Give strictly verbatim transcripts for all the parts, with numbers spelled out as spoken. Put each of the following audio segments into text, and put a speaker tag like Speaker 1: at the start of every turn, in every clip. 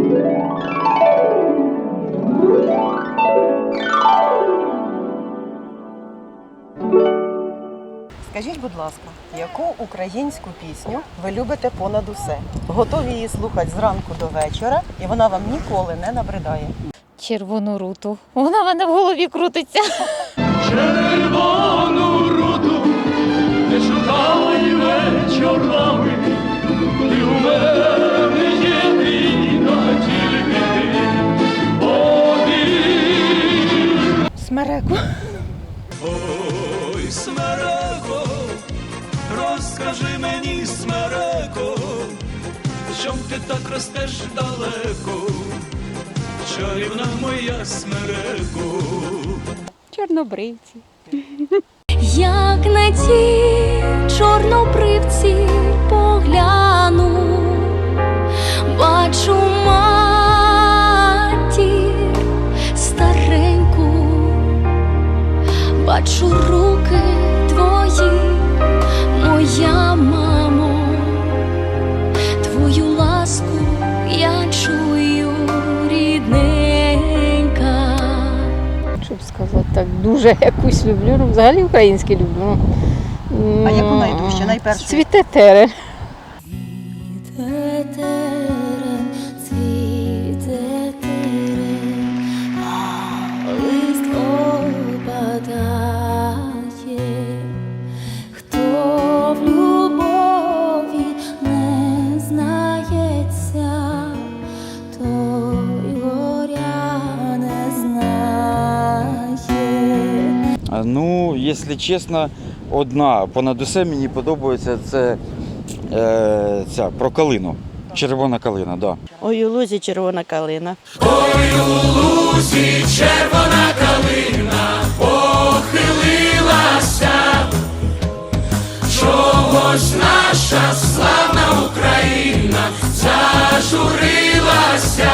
Speaker 1: Скажіть, будь ласка, яку українську пісню ви любите понад усе? Готові її слухати зранку до вечора, і вона вам ніколи не набридає?
Speaker 2: Червону руту. Вона в мене в голові крутиться.
Speaker 3: Червону руту не шукай вечорами, ти у мене єдина, тільки ти повір.
Speaker 1: Смереку.
Speaker 3: Ой, смереко, розкажи мені, смереко, чом ти так ростеш далеко, чарівна моя смереко.
Speaker 4: Чорнобривці.
Speaker 5: Як на ті чорнобривці погляну, бачу матір стареньку, бачу руки твої, моя мамо, твою ласку я чую, рідненька.
Speaker 4: Щоб сказати так, дуже якусь люблю, ну, взагалі українські люблю.
Speaker 1: А яку найдужче, найпершу?
Speaker 4: Цвіте терен.
Speaker 5: Цвіте терен, цвіте терен, а лист опадає. Хто в любові не знається, той горя не знає.
Speaker 6: Ну, якщо чесно, одна понад усе мені подобається, це е, ця про калину. Червона калина, так. Да.
Speaker 7: Ой, у лузі червона калина.
Speaker 3: Ой, у лузі червона калина похилилася, чогось наша славна Україна зажурилася,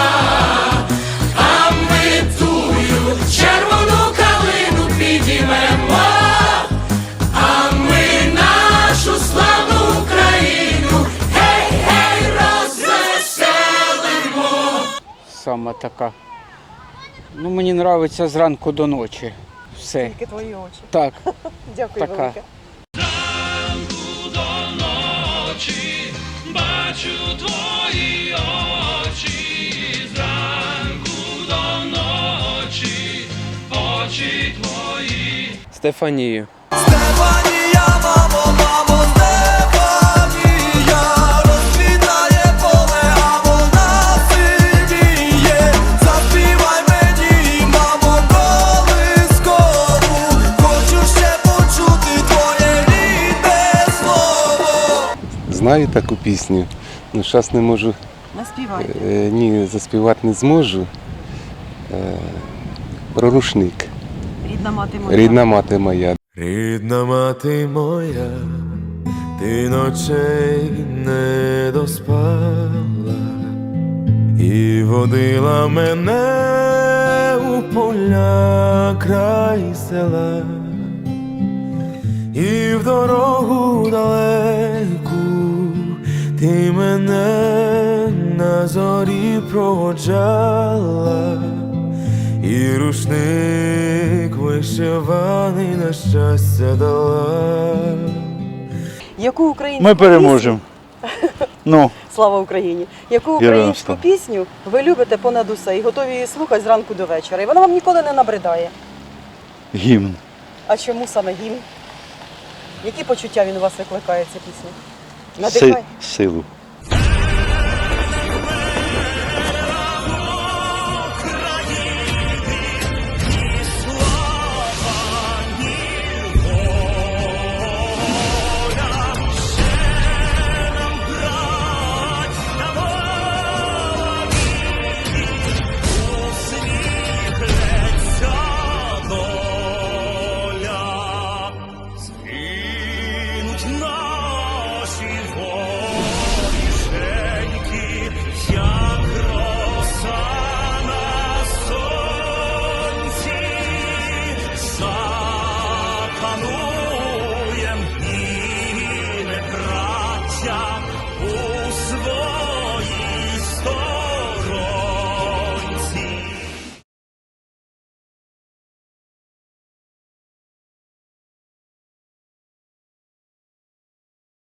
Speaker 3: а ми тую червону калину підіймемо, а ми нашу славну Україну гей-гей розвеселимо.
Speaker 8: Саме така. Ну, мені подобається зранку до ночі. Все.
Speaker 1: Тільки твої очі.
Speaker 8: Так.
Speaker 1: Дякую
Speaker 8: Така.
Speaker 1: велике.
Speaker 3: Зранку до ночі бачу твої очі, зранку до ночі очі твої.
Speaker 9: Стефанію.
Speaker 3: Стефанія, мамо, мамо, Стефанія, розквітає поле, а вона сидіє. Заспівай мені, мамо, колискову, хочу ще почути твоє рідне слово.
Speaker 10: Знаю таку пісню, але зараз не можу,
Speaker 1: Наспівайте.
Speaker 10: е, ні, заспівати не зможу. Е, про рушник.
Speaker 1: Рідна мати моя.
Speaker 10: Рідна мати моя.
Speaker 3: Рідна мати моя, ти ночей не доспала і водила мене у поля край села, і в дорогу далеку ти мене на зорі проводжала, і рушник вишиваний на щастя дала.
Speaker 1: Яку українську
Speaker 6: Ми переможемо. Ну,
Speaker 1: пісню- Слава Україні! Яку українську пісню ви любите понад усе і готові її слухати зранку до вечора? І вона вам ніколи не набридає.
Speaker 6: гімн.
Speaker 1: А чому саме гімн? Які почуття він у вас викликає, ця пісня?
Speaker 6: Си-
Speaker 1: Надихає?
Speaker 6: силу.